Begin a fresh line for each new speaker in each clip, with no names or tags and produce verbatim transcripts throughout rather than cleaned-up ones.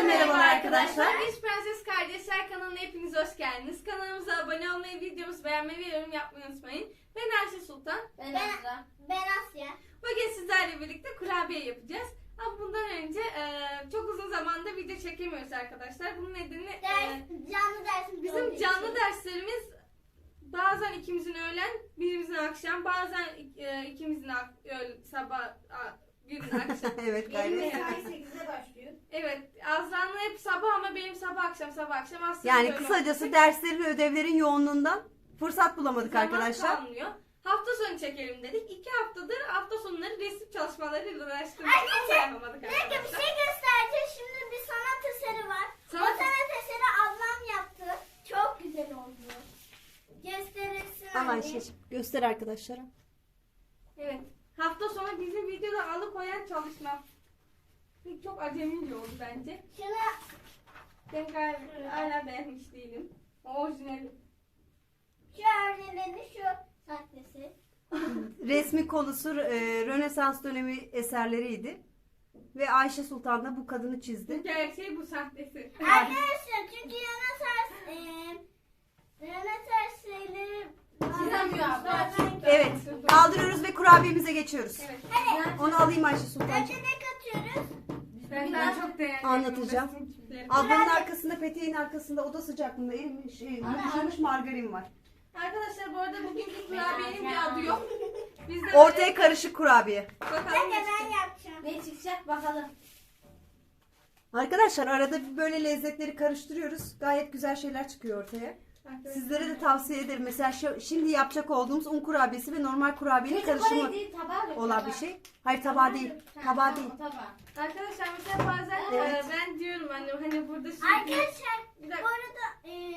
merhabalar arkadaşlar.
Biz Prenses Kardeşler kanalına hepiniz hoş geldiniz. Kanalımıza abone olmayı, videomuzu beğenmeyi ve yorum yapmayı unutmayın. Ben Ayşe Sultan.
Ben Asya. Ben Asya.
Bugün sizlerle birlikte kurabiye yapacağız. Ama bundan önce e, çok uzun zamandır video çekemiyoruz arkadaşlar. Bunun nedeni
Ders,
e,
canlı dersimiz
bizim
olduğu
canlı
için.
derslerimiz bazen ikimizin öğlen, birimizin akşam, bazen e, ikimizin ak- öğle- sabah, a- birinin akşam.
Evet
Benim
gayret.
mesai sekizde başlıyor.
Evet, Azra'nın hep sabah ama benim sabah akşam sabah akşam aslında
Yani
böyle
kısacası
olacak.
derslerin ve ödevlerin yoğunluğundan fırsat bulamadık
Zaman
arkadaşlar.
kalmıyor. Hafta sonu çekelim dedik. İki haftadır hafta sonları resim çalışmalarıyla uğraştığımız için
Arkadaşlar,
yapamadık
Bir dakika bir
arkadaşlar.
şey göstereceğim. Şimdi bir sanat eseri var.
Sanat-
O sanat eseri ablam yaptı. Çok güzel oldu. Gösterirsin
Ama
anne.
Ayşe'cim göster arkadaşlara.
Evet. Hafta sonu bizim videoda alıkoyan çalışma. Çok acemice oldu bence.
Şunu
Ben galiba hala beğenmiş değilim. O orijinali.
şu örneğini şu sahtesi.
Resmi konusu e, Rönesans dönemi eserleriydi. Ve Ayşe Sultan da bu kadını çizdi.
Bu gerçeği, bu sahtesi.
Arkadaşlar çünkü Rönesans e, Rönesans şeyleri
Çizemiyor abla.
Evet, kaldırıyoruz ve kurabiyemize geçiyoruz.
Evet.
Hadi.
Onu alayım Ayşe Sultancığım.
Önce ne katıyoruz?
Ben daha çok beğendim.
Anlatacağım.
Resimcileri.
Ablanın arkasında, peteğin arkasında oda sıcaklığında erimiş, şey, yumuşamış margarin var.
Arkadaşlar bu arada bugünkü kurabiyenin bir adı yok. Biz de
Ortaya karışık kurabiye.
bakalım.
Hadi
ne
ben
çıkacak.
yapacağım.
Ne çıkacak bakalım.
Arkadaşlar arada böyle lezzetleri karıştırıyoruz. Gayet güzel şeyler çıkıyor ortaya. Sizlere de tavsiye ederim. Mesela şu, şimdi yapacak olduğumuz un kurabiyesi ve normal kurabiyenin karışımı olan bir şey. Hayır tabağı değil. Tabağı değil.
Arkadaşlar mesela bazen
Evet.
e, ben diyorum annem hani burada şimdi
Arkadaşlar
bir
bu
dakika,
arada e,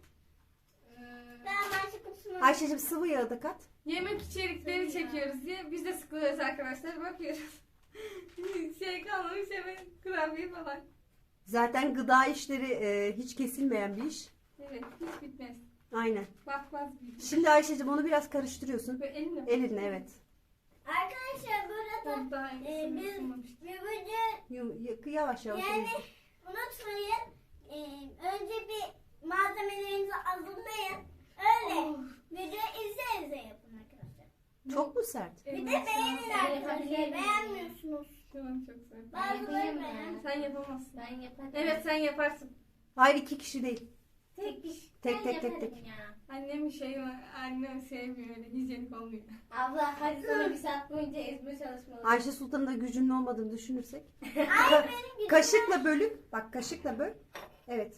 ben maçı kutusunu
Ayşe'cim sıvı yağı da kat.
yemek içerikleri çekiyoruz diye biz de sıkılıyoruz arkadaşlar, bakıyoruz. Şey kalmamış hemen kurabiye falan.
Zaten gıda işleri e, hiç kesilmeyen bir iş.
Evet, hiç bitmez.
Aynen.
Bakmaz bir.
Şimdi Ayşe'cim onu biraz karıştırıyorsun.
Böyle elinle.
Elinle evet.
Arkadaşlar burada
Çok daha
e,
iyisini
biz
ısınmamış.
bir bugün
Yum- y- Yavaş yavaş.
yani
elinle.
unutmayın e, önce bir malzemelerinizi hazırlayın. Öyle
Oh.
video izle izle yapın arkadaşlar.
Çok mu sert?
Bir de
Eline
beğenin
sağlık.
arkadaşlar. Beğenmiyorsunuz.
Tamam, çok güzel.
Bazıları beğen.
Sen yapamazsın.
Ben yaparım.
Evet, sen yaparsın.
Hayır iki kişi değil.
Tek iş.
Tek,
Ben
tek, tek,
yaparım
tek.
Ya.
Annem şey var, annem sevmiyor öyle, hijyenik olmuyor.
Abla hadi sana bir saat boyunca ezme çalışmaları.
Ayşe Sultan'ın da gücünün olmadığını düşünürsek.
Hayır benim gücüm.
Kaşıkla bölüp, bak kaşıkla böl. Evet.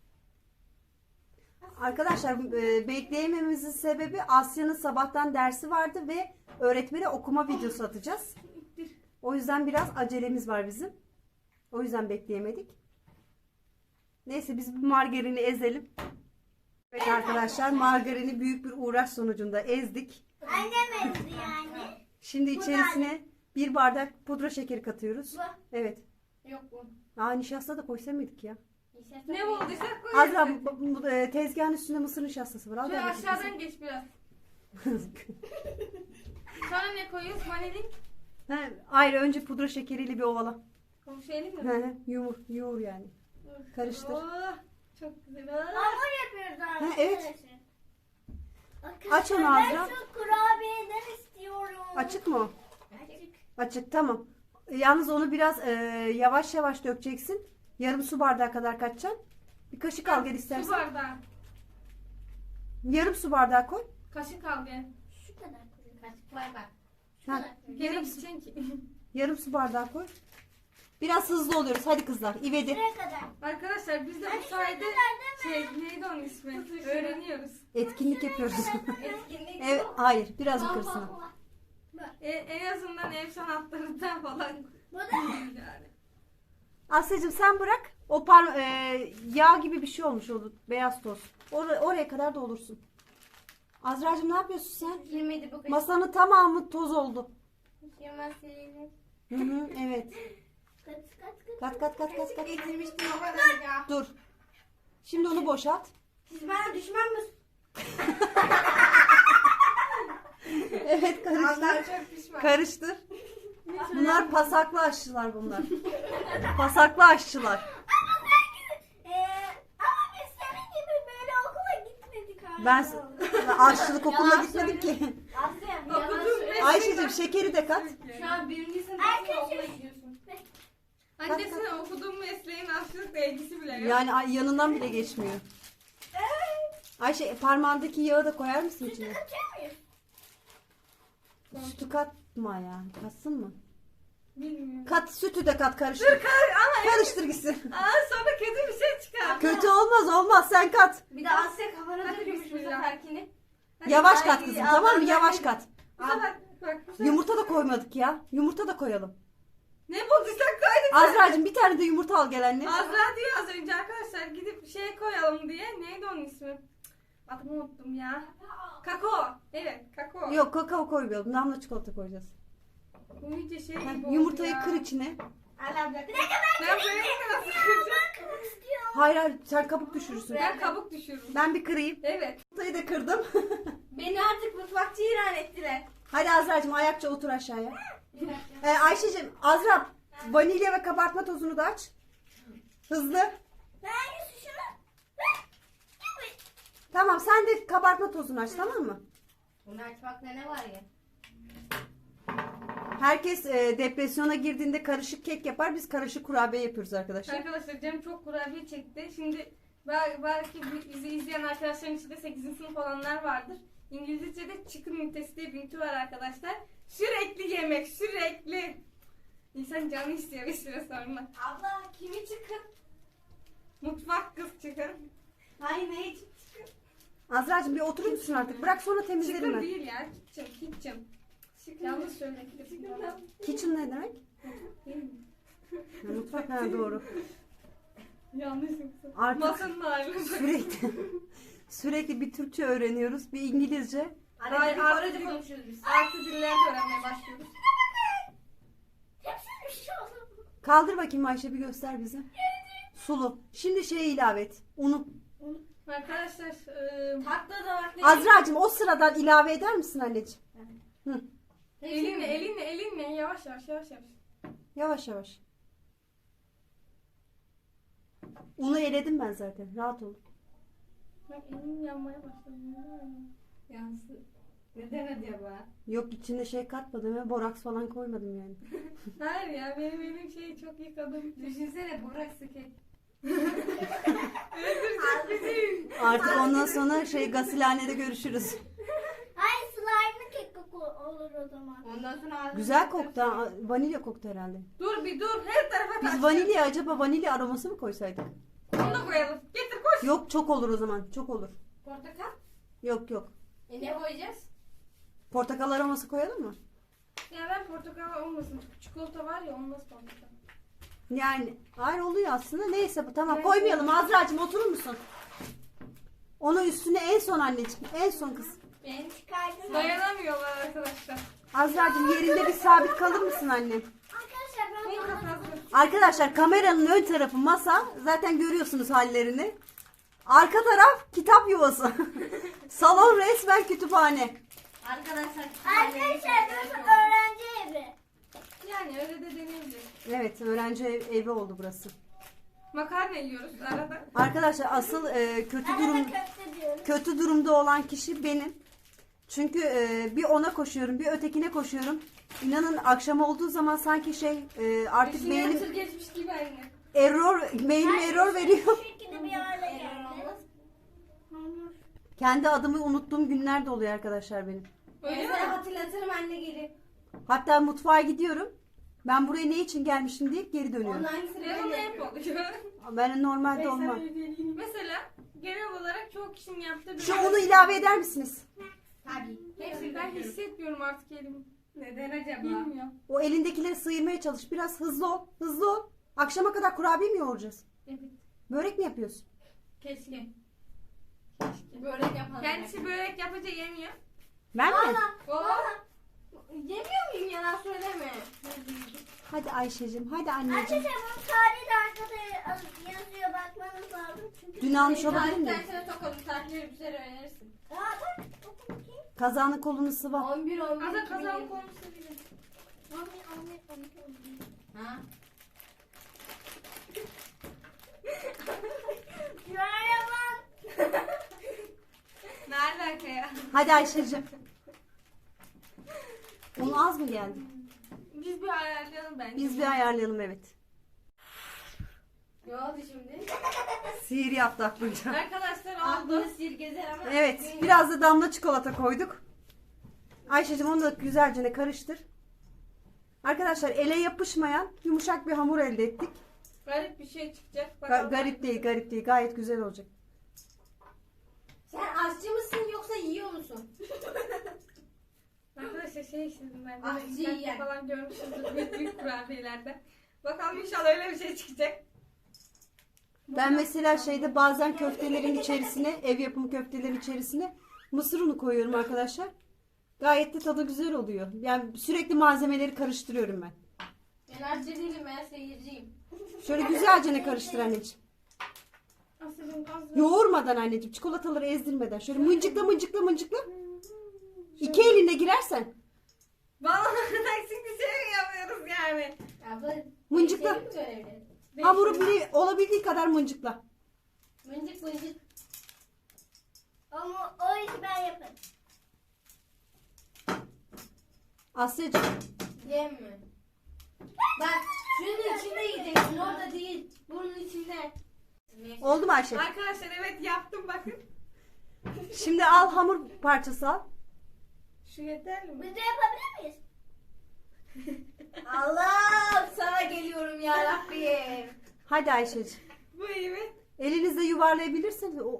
Arkadaşlar e, bekleyememizin sebebi Asya'nın sabahtan dersi vardı ve öğretmene okuma videosu atacağız. O yüzden biraz acelemiz var bizim. O yüzden bekleyemedik. Neyse biz bu margarini ezelim. Evet arkadaşlar margarini büyük bir uğraş sonucunda ezdik.
Annem ezdi yani.
Şimdi içerisine bir bardak pudra şekeri katıyoruz.
Bu.
Evet.
Yok bu.
Aa nişasta da koysa mıydık ya?
Ne bulduysak koyarız.
Azra bu, bu, bu, e, tezgahın üstünde mısır nişastası var. Al
Şöyle
ver bakayım
aşağıdan geç biraz.
kızım.
Sonra ne koyuyoruz? Vanilin.
Ha, ayrı önce pudra şekeriyle bir ovala.
Komşu elin
Hı
mi?
hı, yoğur, yoğur yani. Karıştır.
Oh, çok güzel. Oh.
Hamur yapıyoruz arkadaşlar.
evet.
Arkadaşlar,
Aç onu Azra.
Ben şu kurabiyeden istiyorum.
Açık mı o?
Açık.
Açık tamam. Yalnız onu biraz e, yavaş yavaş dökeceksin. Yarım su bardağı kadar katacaksın. Bir kaşık al gel
Su
istersen.
bardağı.
Yarım su bardağı koy.
Kaşık al gel.
Şu kadar koyayım.
Kaçık var bak.
Şu
Ha.
kadar koyayım.
Gene
Yarım,
gideceksin ki.
yarım su bardağı koy. Biraz hızlı oluyoruz. Hadi kızlar. İvedi.
Şuraya kadar.
Arkadaşlar biz de
Hani
bu sayede
şuraya kadar
şey neydi onun ismi? Öğreniyoruz.
Etkinlik yapıyoruz.
Etkinlik.
Evet, hayır. Biraz yukarısına.
E, en azından ev sanatlarından falan.
Bu da
Yani.
Asya'cığım sen bırak. O par e, yağ gibi bir şey olmuş oldu. Beyaz toz. Or- oraya kadar da olursun. Azra'cığım ne yapıyorsun sen?
Girmedi bu kaçık.
Masanın tamamı toz oldu.
Yemez silinir.
Hı hı, evet.
kaç kaç kaç.
Kat kat kat kat kat.
Getirmiştim o kadar ya.
Dur. Şimdi onu boşalt.
Siz bana düşman mısınız?
Evet karıştır.
Allah çok pişman.
Karıştır. Bunlar pasaklı aşçılar bunlar. Pasaklı aşçılar. Ben aşçılık okuluna
Yalan
gitmedim ki.
Asya.
Okudum ve-
Ayşe'cim şekeri de kat.
Şu an birinci sınıfta
Arkadaşım.
okula gidiyorsun.
Annesine okuduğum mesleğin aşçılıkla ilgisi bile yok.
Yani ay- yanından bile geçmiyor. Ayşe parmağındaki yağı da koyar mısın içine?
Katıyor muyuz?
Sütü katma ya. Katsın mı?
Bilmiyorum.
Kat sütü de kat karıştır.
Dur kar ama
Karıştır gitsin.
Aa sonra kötü bir şey çıkar.
Kötü olmaz olmaz sen kat.
Bir de Asya kafana
Hadi
dökmüş bu
bismillah.
seferkini.
Yavaş
Ay,
kat kızım
Allah
tamam mı?
Allah.
Yavaş kat.
Bu sefer bak bu sefer.
Yumurta da koymadık ya. Yumurta da koyalım.
Ne bulduysak koyduk.
Azra'cığım bir tane de yumurta al gel anne.
Azra diyor az önce arkadaşlar gidip şey koyalım diye. Neydi onun ismi? Adını unuttum ya. Kakao. Evet kakao.
Yok kakao koymayalım. Damla çikolata koyacağız.
Bu iyice şey
Heh,
gibi oldu
yumurtayı
ya.
kır içine.
Ala bırak.
Ben böyle nasıl kıracağım?
Kırmak istiyorum.
Hayır hayır sen kabuk düşürürsün.
Ben kabuk düşürürüm.
Ben bir kırayım.
Evet.
Yumurtayı da kırdım.
Beni artık mutfakçı ilan ettiler.
Hadi Azra'cığım ayakça otur aşağıya. Ee, Ayşe'cim Azra vanilya ve kabartma tozunu da aç. Hızlı.
Ben yüzü şunu. Ver. Gibi.
Tamam sen de kabartma tozunu aç tamam mı?
Bunu açmakta ne var ya?
Herkes e, depresyona girdiğinde karışık kek yapar. Biz karışık kurabiye yapıyoruz arkadaşlar.
Arkadaşlar canım çok kurabiye çekti. Şimdi bel- belki bi- bizi izleyen arkadaşların içinde sekizinci sınıf olanlar vardır. İngilizce'de chicken ünitesi diye bir ünite var arkadaşlar. Sürekli yemek, sürekli. İnsan canı istiyor bir süre sonra.
Abla kimi çıkın?
Mutfak kız çıkın.
Hayır ne için çıkın?
Azra'cığım bir oturur musun artık? Bırak sonra temizlerim
Çıkın
ben.
değil ya. Kitchen, kitchen. Yanlış söyledim.
Kitchen ne demek? Ha, mutfak ha doğru.
Yanlış yoksa.
Artık
Masanın ağırlığı.
sürekli sürekli bir Türkçe öğreniyoruz, bir İngilizce.
Hayır,
Hayır
artık-
Korece konuşuyoruz biz.
Artı diller de öğrenmeye başlıyoruz.
Hepsi bir şey oldu.
Kaldır bakayım Ayşe bir göster bize. Sulu. Şimdi şeyi ilave et. Unu.
Arkadaşlar e,
Tatlı da bak.
Azra'cığım o sıradan ilave eder misin anneciğim? Hı.
elinle elinle elinle yavaş yavaş yavaş yavaş.
Yavaş yavaş. Unu eledim ben zaten. Rahat ol.
Bak elim yanmaya başladı.
Yansın. Neden acaba?
Yok içine şey katmadım ve boraks falan koymadım yani.
Hayır ya benim elim şey çok yıkadım.
Düşünsene Burak Sıket.
Artık ondan sonra şey gasilhanede görüşürüz.
Hayır slime'lı kek koku olur o zaman.
Ondan sonra ağzını
Güzel koktu. ha. Vanilya koktu herhalde.
Dur bir dur her tarafa
Biz
kaç.
vanilya acaba vanilya aroması mı koysaydık?
Onu da koyalım. Getir koş.
Yok çok olur o zaman. Çok olur.
Portakal.
Yok yok.
E ne koyacağız?
Portakal aroması koyalım mı?
Ya ben portakal olmasın. Çikolata var ya olmaz portakal.
Yani hayır oluyor aslında. Neyse bu tamam
Ben-
koymayalım. Azra'cığım oturur musun? Onu üstüne en son anneciğim. En son kız.
Ben
Çıkardım.
Dayanamıyorlar arkadaşlar.
Azra'cığım yerinde bir sabit kalır mısın annem?
Arkadaşlar ben
Bunu
bunu
kapattım.
Arkadaşlar kameranın ön tarafı masa. Zaten görüyorsunuz hallerini. Arka taraf kitap yuvası. Salon resmen kütüphane.
arkadaşlar.
Arkadaşlar burası öğrenci evi.
Yani öyle de deneyebilir.
Evet öğrenci ev- evi oldu burası.
Makarna yiyoruz arada.
Arkadaşlar asıl e, kötü
Arada
durum
köfte diyoruz.
kötü durumda olan kişi benim. Çünkü e, bir ona koşuyorum, bir ötekine koşuyorum. İnanın akşam olduğu zaman sanki şey e, artık
Düşünüyor
beynim
tır geçmiş gibi aynı.
error beynim error veriyor.
Bu şekilde bir hale geldi. Hamur.
Kendi adımı unuttuğum günler de oluyor arkadaşlar benim.
Öyle mi?
Mesela hatırlatırım anne gelir.
Hatta mutfağa gidiyorum. Ben buraya ne için gelmişim deyip geri dönüyorum.
Onun aynısını
Benim
ben
de
de
hep
yapıyorum.
oluyor.
Ben normalde olmam.
Mesela genel olarak çoğu kişinin yaptığı bir...
Şu unu ilave eder misiniz?
Tabii.
Hepsi ben hissetmiyorum artık elimi.
Neden acaba?
Bilmiyorum.
O elindekileri sıyırmaya çalış. Biraz hızlı ol. Hızlı ol. Akşama kadar kurabiye mi yoğuracağız?
Evet.
Börek mi yapıyorsun?
Keşke. Börek yapalım.
Kendisi börek yapınca yemiyor.
Ben mi?
Oo.
Yemiyor muyum yalan söyleme.
Hadi Ayşe'cim. Hadi anneciğim.
Arkadaşlar bunun tarihi de arkada yazıyor bakmanız lazım. Çünkü
Dün almış olabilir mi?
Tarihten sana tokalım. Tarihleri bir sene öğrenirsin.
Aa bak oku bakayım.
Kazanın kolunu sıva.
on bir on bir
Aslında
iki bin
kazan
yirmi.
konusu bile.
Anne anne anne.
Ha?
Şuraya bak.
Ne
Hadi Ayşe'cim. Un az mı geldi?
Biz bir ayarlayalım bence.
Biz bir ayarlayalım, evet.
Ne oldu şimdi?
Sihir yaptı aklınca.
Arkadaşlar oldu.
Aklını sirgezer ama.
Evet, biraz da damla çikolata koyduk. Ayşe'cim onu da güzelce ne karıştır. Arkadaşlar ele yapışmayan yumuşak bir hamur elde ettik.
Garip bir şey çıkacak.
Ga-
Bakalım.
garip değil, garip değil. Gayet güzel olacak.
Sen aşçı mısın yoksa yiyor musun?
Arkadaşlar şey istedim ben.
Ah,
Böyle internette
yiyen.
falan görmüşsünüzdür büyük büyük kurabiyelerde. Bakalım inşallah öyle bir şey çıkacak.
Ben mesela şeyde bazen köftelerin içerisine, ev yapımı köftelerin içerisine mısır unu koyuyorum arkadaşlar. Gayet de tadı güzel oluyor. Yani sürekli malzemeleri karıştırıyorum ben.
Ben aşçı değilim, ben seyirciyim.
Şöyle güzelce ne karıştır anneciğim.
Aslıcığım az
Yoğurmadan anneciğim, çikolataları ezdirmeden. Şöyle mıncıkla mıncıkla mıncıkla. İki elinle girersen.
Vallahi eksik bir şey mi yapıyoruz yani?
Abla.
Mıncıkla.
senin mi görevli?
Hamuru bile olabildiği kadar mıncıkla.
Mıncık mıncık.
Ama o işi ben yaparım.
Asya'cığım.
Yem mi? Bak şunun içinde yiyeceksin, orada değil. Bunun içinde.
Oldu mu Ayşe?
Arkadaşlar evet yaptım bakın.
Şimdi al hamur parçası al.
Şu yeter mi?
Biz de yapabilir miyiz?
Allah sana geliyorum ya Rabbim.
Hadi Ayşe'cığım.
Bu iyi mi?
Elinizle yuvarlayabilirsiniz. O...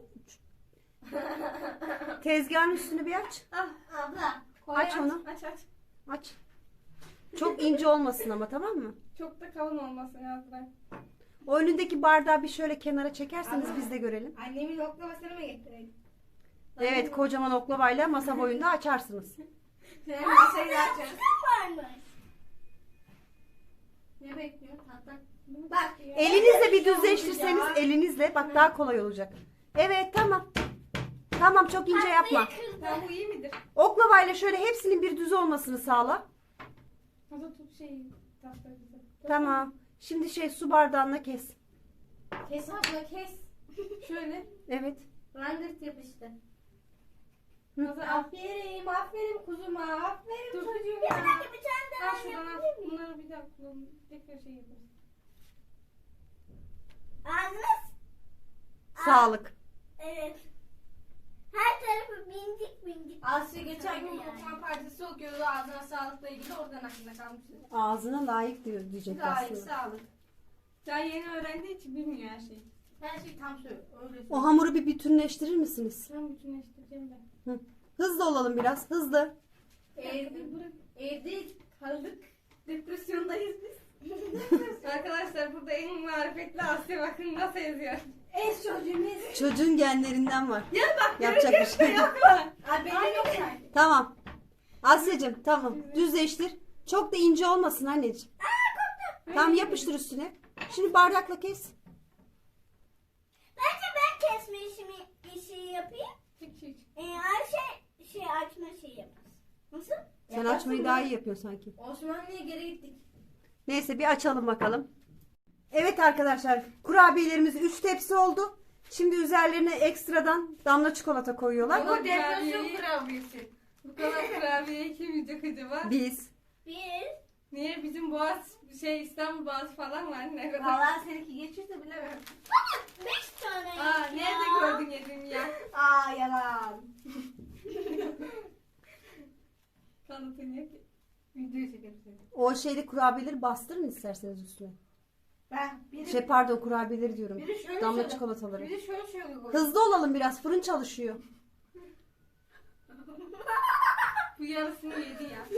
Tezgahın üstünü bir aç.
Ah,
Abla. Koy
Aç onu.
aç aç.
Aç. Çok ince olmasın ama, tamam mı?
Çok da kalın olmasın yazlar.
O önündeki bardağı bir şöyle kenara çekerseniz biz de görelim.
Annemin oklamasını mı getireyim?
Evet, kocaman oklavayla masa boyunda açarsınız.
Sen masayı açacaksın.
Varmış.
Ne bekliyorsun? Hatta. Bak.
Elinizle bir düzleştirseniz elinizle bak daha kolay olacak. Evet, tamam. Tamam, çok ince yapma.
Tamam bu iyi midir?
Oklavayla şöyle hepsinin bir düz olmasını sağla.
Hadi tut şeyi. Tahta güzel.
Tamam. Şimdi şey su bardağına kes.
Kes abla kes.
Şöyle.
Evet.
Rangırt yapıştı.
Hazır al.
Aferin, aferin kuzuma, aferin
Dur.
çocuğuma.
Bir tane bir tane
Al
daha
şuradan al.
yapabilir miyim?
Bunları bir daha kullanın. Tekrar şey yaparız.
Ağzınız?
Sağlık.
Evet. Her tarafı bindik bindik.
Asya geçen gün
Yani.
okuma partisi okuyordu ağzına sağlıkla ilgili, oradan aklına kalmıştı.
Ağzına layık diyor diyecek
Gayet
aslında.
sağlık.
Daha yeni öğrendiği için bilmiyor her şeyi.
Her şey tam söylüyor. Öyle söylüyor.
O hamuru bir bütünleştirir misiniz?
Tam bütünleştireceğim ben.
Hı. Hızlı olalım biraz. Hızlı.
Evde,
Bırak.
evde kaldık. Depresyondayız biz.
Arkadaşlar burada en marifetli Asya bakın nasıl yazıyor.
Ez çocuğumuz.
Çocuğun genlerinden var.
Ya bak
Yapacak bir şey yok.
yapma.
Abi benim yok sanki.
Tamam. Asya'cığım tamam. Düzleştir. Çok da ince olmasın anneciğim. Tamam, yapıştır üstüne. Şimdi bardakla kes.
Bence ben kesme işimi işi yapayım.
Çık çık.
Ee, Ayşe şey açma şeyi yapar. Nasıl?
Sen açmayı daha iyi yapıyorsun sanki.
Osmanlı'ya geri gittik.
Neyse bir açalım bakalım. Evet arkadaşlar, kurabiyelerimiz üç tepsi oldu. Şimdi üzerlerine ekstradan damla çikolata koyuyorlar.
Bu depresyon
kurabiyeyi-
kurabiyesi.
Bu kadar kurabiyeyi kim yiyecek acaba?
Biz.
Bir.
Niye bizim Boğaz şey İstanbul Boğazı falan var ne kadar?
Valla seninki geçirse bilemem.
Beş tane
Aa
ya.
nerede gördün yedin ya?
Aa yalan.
Kanıtın yok ki.
Videoyu çekelim seni.
O şeyde kurabiyeleri bastırın isterseniz üstüne.
Ben biri,
Şey pardon, kurabiyeleri diyorum.
biri şöyle
Damla
şöyle.
çikolataları.
Biri şöyle şöyle koy.
Hızlı olalım biraz, fırın çalışıyor.
Bu yarısını yedi ya.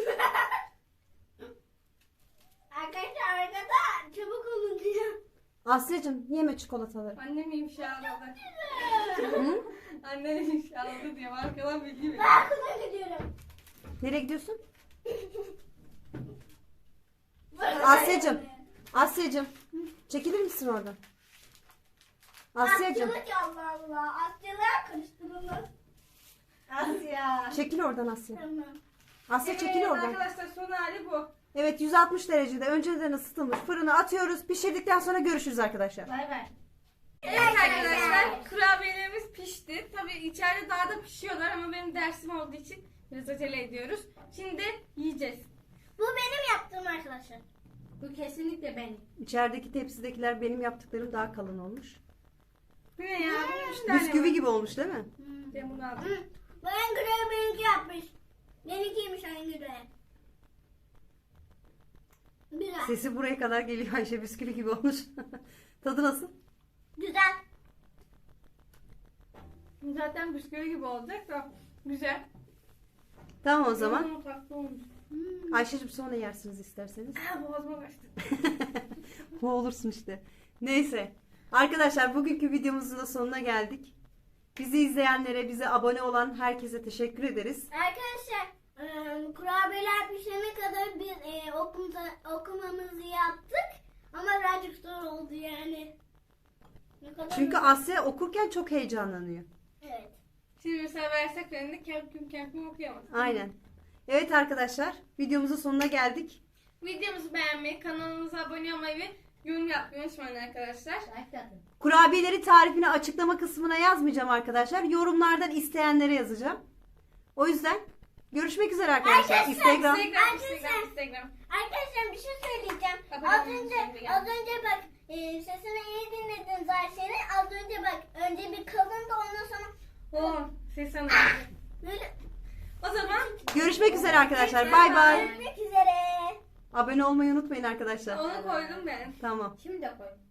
Arkadaşlar arkada çabuk olun diyor.
Asya'cığım yeme çikolataları.
Annem ifşaladı.
Hı?
Annem ifşaladı diyor. Arkadan bilgi veriyor.
Ben okula gidiyorum.
Nereye gidiyorsun? Asya'cığım. Asya'cığım. Çekilir misin oradan? Asya'cığım.
Asya'lık Allah Allah. Asyalığa karıştırılır.
Asya.
Çekil oradan Asya.
Tamam.
Asya çekil
Evet,
oradan.
arkadaşlar son hali bu.
Evet, yüz altmış derecede önceden ısıtılmış fırına atıyoruz. Pişirdikten sonra görüşürüz arkadaşlar.
Bay bay.
Evet arkadaşlar, kurabiyelerimiz pişti. Tabii içeride daha da pişiyorlar ama benim dersim olduğu için biraz acele ediyoruz. Şimdi yiyeceğiz.
Bu benim yaptığım arkadaşlar.
Bu kesinlikle benim.
İçerideki tepsidekiler benim yaptıklarım daha kalın olmuş.
Bu ne ya? Bunun üç tane
Bisküvi
var.
gibi olmuş değil mi?
Ben bunu aldım.
Hı. Bu en güzel benimki yapmış. Benimkiymiş en güzel. Güzel.
Sesi buraya kadar geliyor Ayşe, bisküvi gibi olmuş. Tadı nasıl?
Güzel.
Zaten bisküvi gibi olacak da güzel.
Tamam o zaman.
Hmm, tatlı olmuş.
Ayşe'cim sonra yersiniz isterseniz.
Aa, boğazıma kaçtı.
Bu olursun işte. Neyse. Arkadaşlar bugünkü videomuzun da sonuna geldik. Bizi izleyenlere, bize abone olan herkese teşekkür ederiz.
Arkadaşlar e, kurabiyeler pişene kadar biz e, okumuza, okumamızı yaptık. Ama birazcık zor oldu yani. Ne kadar
Çünkü Asya okurken çok heyecanlanıyor.
Evet.
Şimdi mesela versek önünde kendim kendim okuyamaz.
Aynen. Evet arkadaşlar, videomuzun sonuna geldik.
Videomuzu beğenmeyi, kanalımıza abone olmayı ve yorum yapmayı unutmayın arkadaşlar.
Like atın.
Kurabiyeleri tarifini açıklama kısmına yazmayacağım arkadaşlar. Yorumlardan isteyenlere yazacağım. O yüzden görüşmek üzere arkadaşlar.
Arkadaşlar,
Instagram.
Instagram,
Arkadaşlar.
Instagram, Instagram.
Arkadaşlar bir şey söyleyeceğim.
Abone
Az
olmayı
önce
unutmayın.
az önce bak e, sesini iyi dinlediniz Ayşe'nin. Az önce bak önce bir kalındı ondan sonra
Oo, ses anladım.
böyle
O zaman
Görüşmek üzere arkadaşlar. Bay bay.
görüşmek üzere.
Abone olmayı unutmayın arkadaşlar.
onu koydum ben.
Tamam.
Şimdi de koy.